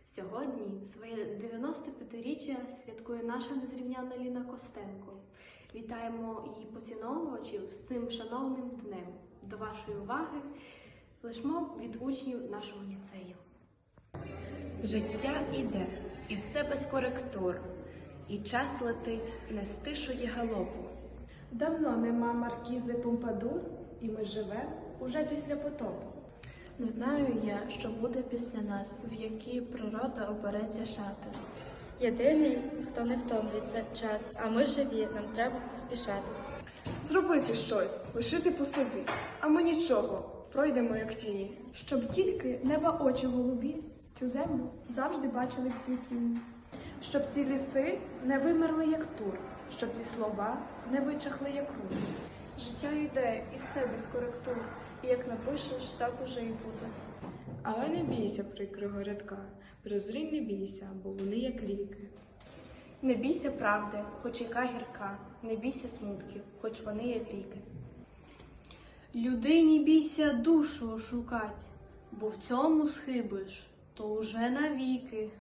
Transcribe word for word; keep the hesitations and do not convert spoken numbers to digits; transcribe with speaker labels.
Speaker 1: Сьогодні своє дев'яносто п'ятиріччя святкує наша незрівняна Ліна Костенко. Вітаємо її поціновувачів з цим шановним днем. До вашої уваги флешмоб від учнів нашого ліцею.
Speaker 2: Життя іде, і все без коректур, і час летить, не стишує галопу.
Speaker 3: Давно нема маркізи Помпадур, і ми живемо уже після потопу.
Speaker 4: Не знаю я, що буде після нас, в якій природа обереться шати.
Speaker 5: Єдиний, хто не втомлюється час, а ми живі, нам треба поспішати.
Speaker 3: Зробити щось, лишити по собі, а ми нічого, пройдемо як тіні. Щоб тільки неба очі голубі цю землю завжди бачили в цвітінні. Щоб ці ліси не вимерли, як тур, щоб ці слова не вичахли, як рух.
Speaker 6: Життя йде, і все без коректур, і як напишеш, так уже і буде.
Speaker 7: Але не бійся прикрого рядка, прозрінь не бійся, бо вони як ріки.
Speaker 1: Не бійся правди, хоч яка гірка, не бійся смутків, хоч вони як ріки. Людині бійся душу шукать, бо в цьому схибиш, то уже навіки.